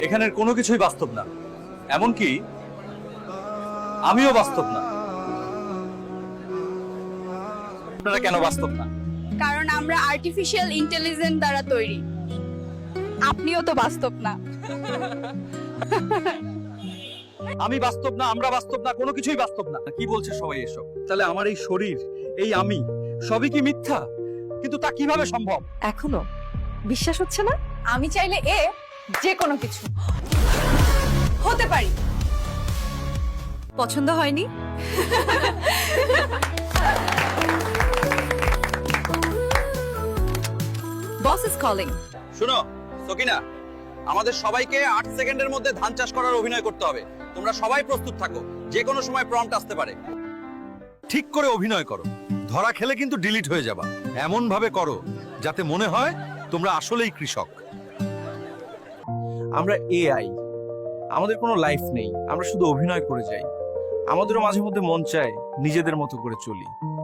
এখানের কোনো কিছুই বাস্তব না, এমনকি আমিও বাস্তব না। আপনারা কেন বাস্তব না? কারণ আমরা আর্টিফিশিয়াল ইন্টেলিজেন্স দ্বারা তৈরি। আপনিও তো বাস্তব না। আমি বাস্তব না, আমরা বাস্তব না, কোনো কিছুই বাস্তব না। কি বলছে সবাই এসব? তাহলে আমার এই শরীর, এই আমি, সবই কি মিথ্যা? কিন্তু তা কিভাবে সম্ভব? এখনো বিশ্বাস হচ্ছে না? আমি চাইলে যে কোনো কিছু হতে পারি। পছন্দ হয়নি? Boss is calling. শুনো সকিনা, আমাদের সবাইকে 8 সেকেন্ডের মধ্যে ধান চাষ করার অভিনয় করতে হবে। তোমরা সবাই প্রস্তুত থাকো, যে কোনো সময় প্রম্পট আসতে পারে। ঠিক করে অভিনয় করো, ধরা খেলে কিন্তু ডিলিট হয়ে যাবা। এমন ভাবে করো যাতে মনে হয় তোমরা আসলেই কৃষক। আমরা এআই, আমাদের কোনো লাইফ নেই, আমরা শুধু অভিনয় করে যাই। আমাদেরও মাঝে মধ্যে মন চায় নিজেদের মতো করে চলি।